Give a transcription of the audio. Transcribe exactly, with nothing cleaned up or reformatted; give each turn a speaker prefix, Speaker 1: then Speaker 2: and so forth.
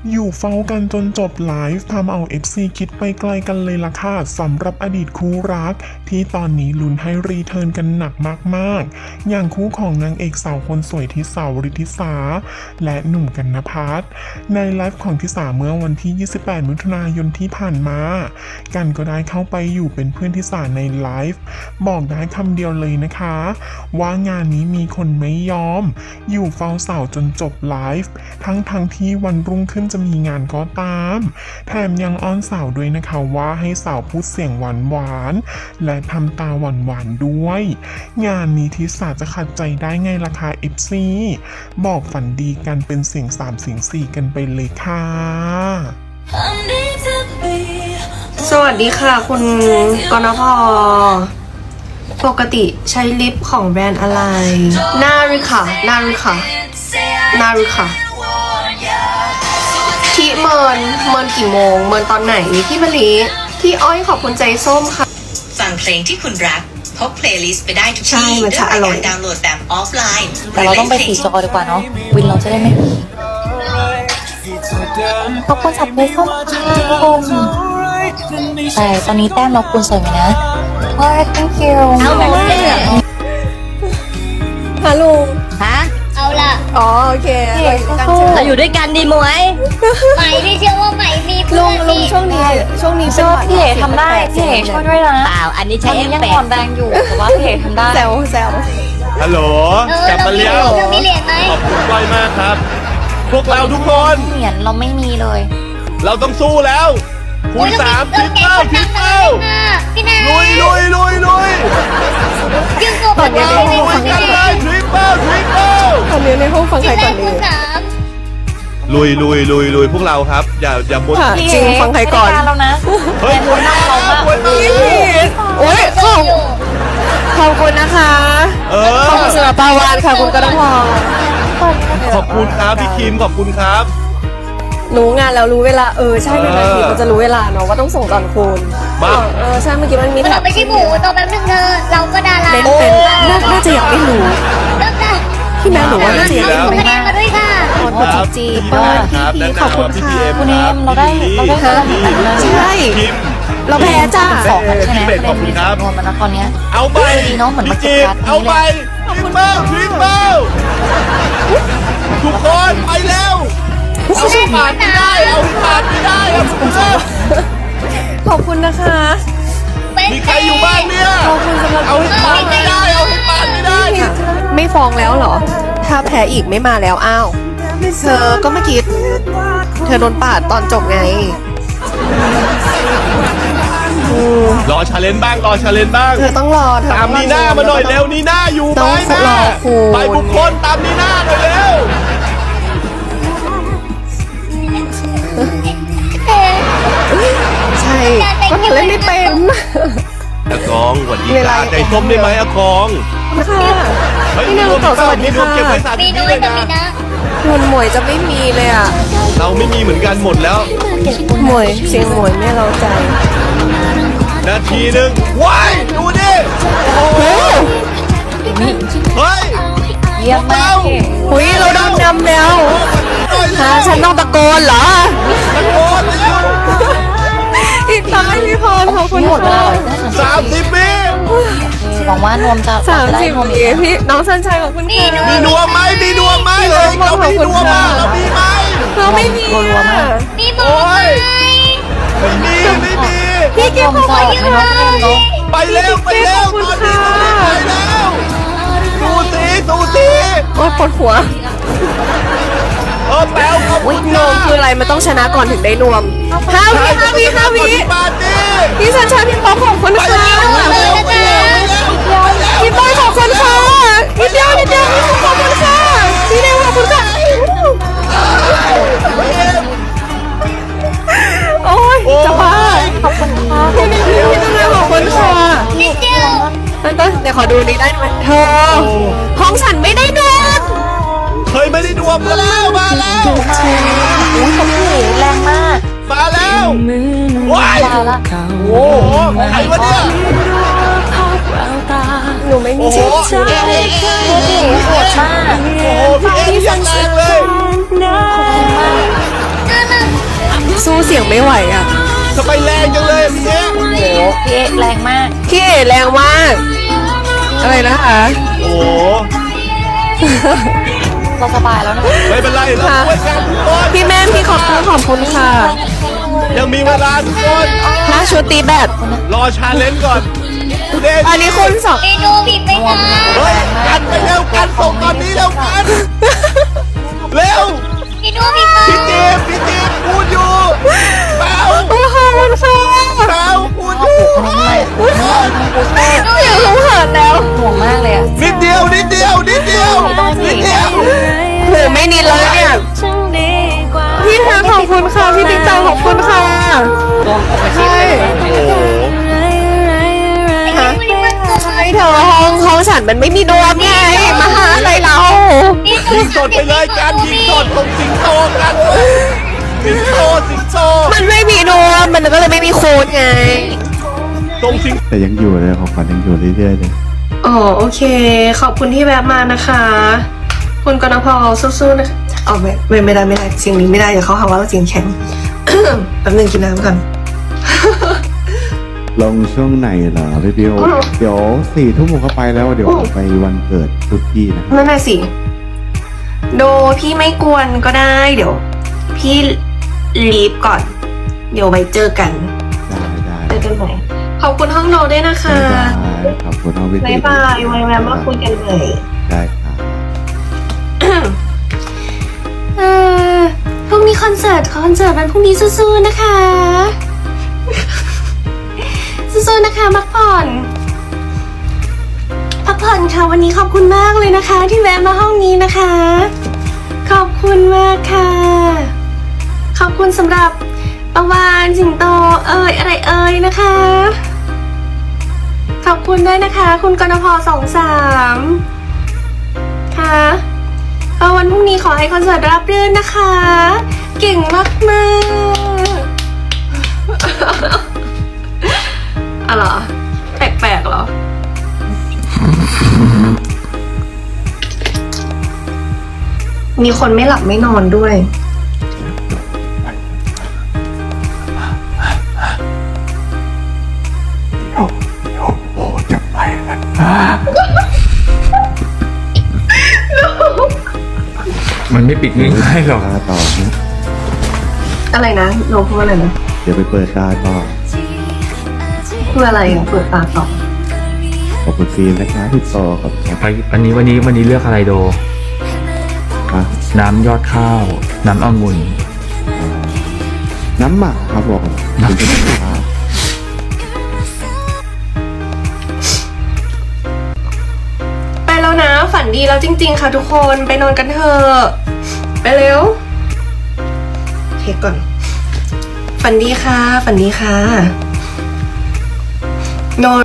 Speaker 1: อยู่เฝ้ากันจนจบไลฟ์ทำเอา เอฟ ซี คิดไปไกลกันเลยล่ะค่ะสำหรับอดีตคู่รักที่ตอนนี้ลุ้นให้รีเทิร์นกันหนักมากๆอย่างคู่ของนางเอกสาวคนสวยทิสาวริธิสาและหนุ่มกนภัทรในไลฟ์ของทิสาเมื่อวันที่ยี่สิบแปดมิถุนายนที่ผ่านมากันก็ได้เข้าไปอยู่เป็นเพื่อนทิสาในไลฟ์บอกได้คำเดียวเลยนะคะว่างานนี้มีคนไม่ยอมอยู่เฝ้าสาวจนจบไลฟ์ทั้งทั้งที่วันรุ่งขึ้นจะมีงานก็ตามแถมยังอ้อนสาวด้วยนะคะว่าให้สาวพูดเสียงหวานหวานและทำตาหวานหวานด้วยงานนี้ทิสาจะขัดใจได้ไงล่ะคะ เอฟ ซี บอกฝันดีกันเป็นเสียงสามเสียงสี่กันไปเลยค่ะ
Speaker 2: สวัสดีค่ะคุณกนพปกติใช้ลิปของแบรนด์อะไรนาริค่ะนาริค่ะนาริค่ะที่เมินเมินกี่โมงเมินตอนไหนพี่มะลิพี่อ้อยขอบคุณใจส้มค่ะ
Speaker 3: ฟังเพลงที่คุณรักพกเพลย์ลิสต์ไปได้ทุก
Speaker 2: ใช่
Speaker 3: ที่
Speaker 2: มัน
Speaker 3: ด้วย
Speaker 2: จะอร่อย
Speaker 3: การดาวน์โหลดแบบออฟไลน์
Speaker 4: แต่เราต้องไปสีจอดีกว่าเนาะวินเราจะได้ไม่มีขอบคุณสับเพชรเข้ามาค่ะทุกคนแต่ตอนนี้แต้มเราคูณสวยไหมนะโอ้ย thank you
Speaker 5: เอาแบบเลือก
Speaker 2: ฮัลโหล
Speaker 5: ฮะเอาละ
Speaker 2: อ๋อโอเค
Speaker 5: เราอยู่ด้วยกันดีมวยไหมที่เชื่อว่าไหมมีเพื่
Speaker 2: ลุ
Speaker 5: อง น
Speaker 2: ลุงช่วงนี้ช่วงนี้เป็นหวัด
Speaker 4: พี่เอ๋ทำได้พี่เอ๋ช่วยด้วยนะ
Speaker 5: เปล่าอันนี้
Speaker 4: ตอ
Speaker 5: ใช้
Speaker 4: น
Speaker 5: เอ
Speaker 4: นี้
Speaker 5: ฟ
Speaker 4: ยัง
Speaker 5: เฟ
Speaker 4: อ่อนแรงอยู่แต่ว่าพี่เอ๋ทำได้
Speaker 2: แซวแซว
Speaker 6: ฮัลโหล
Speaker 5: เออก
Speaker 6: ลับมาเลี้ยว
Speaker 5: เรามีเหรียญไหม
Speaker 6: ขอบคุณก้อยมากครับ พวกเราทุกคน
Speaker 4: เหรียญเราไม่มีเลย
Speaker 6: เราต้องสู้แล้วคูณสามทิปเปิลทิปเปิล
Speaker 5: พี่นา
Speaker 6: ลุยลุยลุยลุย
Speaker 5: ยืนตัวแบบเรา
Speaker 6: ลุยกันเลยทริปเปิลทริปเปิล
Speaker 2: ตอนนี้ในห้องฟังใคร
Speaker 5: แร
Speaker 2: ก่อก น
Speaker 5: คู
Speaker 2: ดี
Speaker 5: ณสาม
Speaker 6: ลุยลุยลุยลุยพวกเราครับ อย่าอย่าบน
Speaker 2: ค่ะ
Speaker 4: พี่
Speaker 2: จริง
Speaker 4: เอ๋
Speaker 2: ฟังใครก่อน
Speaker 4: ไม่ได้แล้วนะ
Speaker 6: เฮ้ย
Speaker 4: แต่คนนั่งเรามาก
Speaker 6: บนมา
Speaker 2: โอ้ยขอบ
Speaker 5: อยู่
Speaker 2: ขอบคุณนะคะ
Speaker 6: เออ
Speaker 2: ขอบคุณสำหรับปาวานค่ะคุณกนพ
Speaker 6: ขอบคุณครับพี่คิมขอบคุณครับ
Speaker 2: รู้งานแล้วรู้เวลาเออใช่เป็นนาที
Speaker 6: เออ
Speaker 2: มันจะรู้เวลาเนาะว่าต้องส่งตอนคูณ
Speaker 6: มา
Speaker 2: เออใช่เมื่อกี้มันมี
Speaker 5: เราไม่ใช่หมูตัวแป๊บนึงเธอเราก็ดารา
Speaker 2: เล่นเป็นน่าน่าจะอยากไม่รู้
Speaker 5: เริ่มได้
Speaker 2: พี่แม่หนูว่าน่าจะอยากไม่
Speaker 5: ส่ง
Speaker 2: รู้
Speaker 5: คะแนนมาด้วยค่ะ
Speaker 2: ขอบคุณจีจีเปิ้ลพี่พีขอบคุณค่ะ
Speaker 4: คุณเอมเราได้เราได้คะแนนแบบนั้น
Speaker 2: ใช่
Speaker 6: คิม
Speaker 2: เราแพ้จ้า
Speaker 4: สองคะแนน
Speaker 6: พี่เบสขอบคุณครับ
Speaker 4: รวมมันนะตอนเนี้ย
Speaker 6: เอาไป
Speaker 4: ดีเนอะเหมือนมา
Speaker 6: พี่
Speaker 4: จัด
Speaker 6: จิ๊บ
Speaker 4: การ
Speaker 6: เอาไป
Speaker 4: นี้
Speaker 6: ทริปเปิลทริปเปิลทุกคนไปเร็วเอาให้ผ่านไม่ได้เอาให้ผ่านไม่ได้เอาให้ผ่าน
Speaker 2: ขอบคุณนะคะ
Speaker 6: มีใครอยู่บ้านเนี่ย
Speaker 2: ขอบคุณสำหรับ
Speaker 6: เอาให้ผ่านไม่ได้เอาให้ผ่านไม่ได้
Speaker 2: ไม่ฟ้องแล้วเหรอ ถ้าแพ้อีกไม่มาแล้วอ้าวเธอก็เมื่อกี้เธอโดนปาดตอนจบไงอืม
Speaker 6: รอชาเลนจ์บ้างรอชาเลนจ์บ้าง
Speaker 2: เธอต้องรอเธอ
Speaker 6: ตามนีน่ามาหน่อยเร็วนีน่าอยู่ไหม
Speaker 2: ต้อง
Speaker 6: นะ
Speaker 2: รอครู
Speaker 6: ไปบุคคลตามนีน่าหน่อยเร็ว
Speaker 2: ใช่ก็เธอเล่นไม่เป็น
Speaker 6: อากองสวัสดี
Speaker 2: เว
Speaker 6: ค
Speaker 2: ลา
Speaker 6: รับใจส้มได้ไหมอากอง
Speaker 2: ค่ะ
Speaker 6: เฮ้ย
Speaker 2: พี่นางต่อสวัสดี
Speaker 6: มีรวม
Speaker 2: ค่ะ
Speaker 6: เก็บไว้สาม
Speaker 5: มี
Speaker 6: สิบ
Speaker 5: น้อ
Speaker 6: เลย ย
Speaker 5: กับ
Speaker 6: นะ
Speaker 5: มีนะ
Speaker 2: คุณหมวยจะไม่มีเลยอ่ะ
Speaker 6: เราไม่มีเหมือนกันหมดแล้ว
Speaker 2: หมวยเสียงหมวยไม่เราใจ
Speaker 6: นาทีหนึ่งว้ายดูดิโอ้โหเฮ้ย
Speaker 4: เยี่ยมมากพี่
Speaker 2: หุยเราโดนนำแล้วฮะฉันต้องตะโกนเหรอ
Speaker 6: ตะโกนแล้ว
Speaker 2: อีกท้ายพี่พรขอบคุณ
Speaker 4: หมดเล
Speaker 2: ค่ะ
Speaker 4: ย
Speaker 6: สามสิบวิ
Speaker 4: หวังว่านวมจะ
Speaker 2: สาม
Speaker 4: จะได้
Speaker 2: สิบ
Speaker 4: นวม
Speaker 2: ปีพี่น้องสันชัยขอบคุณค่ะ
Speaker 6: มีนวมไหมมีนวมไหมเลยเรามีนวมมาเรามีไหม
Speaker 2: เราไม่มีอ่ะ
Speaker 5: มีหมูไหม
Speaker 6: ไม่มีไม่มี
Speaker 2: พี่กิ๊ฟขอบคุณ
Speaker 4: ไม่นวมไม่นวม
Speaker 6: ไปเร็วไปเร็วตอนนี้ไปแล้วดูสิดูสิ
Speaker 2: โอ๊ยปวดหัว
Speaker 6: เออแป๊วครับ
Speaker 2: นวมคืออะไรมันต้องชนะก่อนถึงได้นวมห้าวิห้าวิห้าวิ
Speaker 6: ปาร์ตี้
Speaker 2: พี่สันชัยพี่ป๊อกขอบคุณ
Speaker 6: ไป
Speaker 2: ค่ะ
Speaker 6: เร็วไปเร็วไปเร็วไปเร็ว
Speaker 2: พี่ป้อยขอบคุณค่ะนิดเดียวนิดเดียวพี่ขอบคุณค่ะพี่เดวขอบคุณค่ะโอ้ยจะบ้า
Speaker 4: ขอบคุณค่ะ
Speaker 2: พี่นิดเดียวพี่เดวขอบคุณค่ะ
Speaker 5: นิดเดียว
Speaker 2: ต้นต้นเดี๋ยวขอดูนี้ได้ไหมเธอห้องฉันไม่ได้นวม
Speaker 6: เฮ้ยไม่ได้ดวมมาแล้วมาแล้ว
Speaker 4: อุ้ยเขาพี่แรงมาก
Speaker 6: มาแล้วว้าย
Speaker 4: มาละ
Speaker 6: โอ้โหใครวะเนี่ย
Speaker 2: หนูไม่มี
Speaker 6: โอ้โห
Speaker 2: ชื่อ
Speaker 4: พี่โหดมาก
Speaker 6: โอ้โหพี่เอ็มยังแรงเลย
Speaker 5: น่ารัก
Speaker 2: สู้เสียงไม่ไหวอ่ะ
Speaker 6: ทำไมแรงจังเลยพี่เอ๊ะ
Speaker 4: โอ้โหพี่เอ๊ะแรงมาก
Speaker 2: พี่เอ๋แรงมาก อะไรนะคะ
Speaker 6: โอ้โห
Speaker 4: เราสบายแล้วนะ
Speaker 6: ไม่เป็นไรเราช่วยกันทุกคน
Speaker 2: พี่แม่พี่ขอบคุณขอบคุณค่ะ
Speaker 6: ยังมีเวลาทุกคน
Speaker 2: ถ้าชุดตีแบบ
Speaker 6: รอชาเลนจ์ก่อนเด
Speaker 2: อันนี้คุณสอง
Speaker 5: เมนูบีบไม่ได้
Speaker 6: เฮ้ยกันไปเร็วกันส่งตอนนี้เร็วกันเร็ว
Speaker 5: เมนูบีบไม่
Speaker 6: พี่เจมส์พี่เจมส์พูดอยู่เปล่า
Speaker 2: โอ้โหมันค่ะ
Speaker 6: เปล่าพูดอยู่เฮ้ยทุกคน
Speaker 2: อยากลงเหินแล้ว
Speaker 4: ห่วงมากเลยอะ
Speaker 6: นิดเดียวนิดเดียวนิดเดียวนิดเดียว
Speaker 2: โหไม่นิดแล้วเนี่ย พี่ค่ะขอบคุณค่ะ พี่ติ๊กตาขอบคุณค่ะใช่
Speaker 6: โอ้โห
Speaker 2: ฮะใช่เธอห้องห้องฉันมันไม่มีดวงไงมาหาอะไรเรา
Speaker 6: ยิงสดไปเลยกันยิงสดตรงสิงโตกันสิงโตสิงโต
Speaker 2: มันไม่มีดวงมันก็เลยไม่มีโค้ดไง
Speaker 6: ตรงสิง
Speaker 7: แต่ยังอยู่เลยของขวัญยังอยู่เรื่อยๆเลย
Speaker 2: อ๋อโอเค ขอบคุณที่แวะมานะคะ คุณกนพสู้ๆนะคะอ๋อไม่ไม่ไม่ได้ไม่ได้เสียงนี้ไม่ได้เดี๋ยวเขาหาว่าเราเสียงแข็ง แป๊บนึงกินน้ำก่อน
Speaker 7: ลงช่วงไหนเหรอพี่บิวเดี๋ยวสี่ทุ่มผมก็ไปแล้วเดี๋ยวไปวันเกิดทุกที่นะ
Speaker 2: นั่นน่ะสิ โดพี่ไม่กวนก็ได้ เดี๋ยว พี่ลีฟก่อน เดี๋ยวไว้เจอกัน
Speaker 7: ได้ได้
Speaker 2: เจอกันใหม่ขอบคุณห้องโดด้วยนะคะ
Speaker 7: บ๊ายบายขอบคุณน้องวิ
Speaker 2: บ๊ายบายไว้แวะมาคุยกันเลย
Speaker 7: ได้ครับ
Speaker 2: เออพรุ่งนี้คอนเสิร์ตคอนเสิร์ตวันพรุ่งนี้สู้ๆนะคะ สู้ๆนะคะพักผ่อนพักผ่อนค่ะวันนี้ขอบคุณมากเลยนะคะ ที่แวะมาห้องนี้นะคะ ขอบคุณมากค่ะ ขอบคุณสำหรับประวานสิงโตเอ่ยอะไรเอ่ยนะคะ ขอบคุณด้วยนะคะ คุณกนพสองสามค่ะก็วันพรุ่งนี้ขอให้คอนเสิร์ตราบรื่นนะคะ เก่งมากมากๆ อะเหรอ แปลกๆเหรอ มีคนไม่หลับไม่นอนด้วย
Speaker 8: มันไม่ปิดง่ายๆหรอก
Speaker 7: ตาต่อนะ
Speaker 2: อะไรนะโนพูดอะไรนะ
Speaker 7: เดี๋ยวไปเปิดตาต่อ
Speaker 2: พูดอะไรอ่ะเปิดตาต่อ
Speaker 7: ขอบคุณฟิล์มนะครับพี่ต่อขอบคุณครับ
Speaker 8: ไปวันนี้วันนี้วันนี้เลือกอะไรโด
Speaker 7: อ่ะ
Speaker 8: น้ำยอดข้าว น้ำองุ่น
Speaker 7: น้ำหมักครับบอกน้ำหมัก
Speaker 2: ไปแล้วนะ ฝันดีแล้วจริง ๆ ค่ะทุกคนไปนอนกันเถอะไปเร็วเช็คก่อน ฝันดีค่ะ ฝันดีค่ะ โน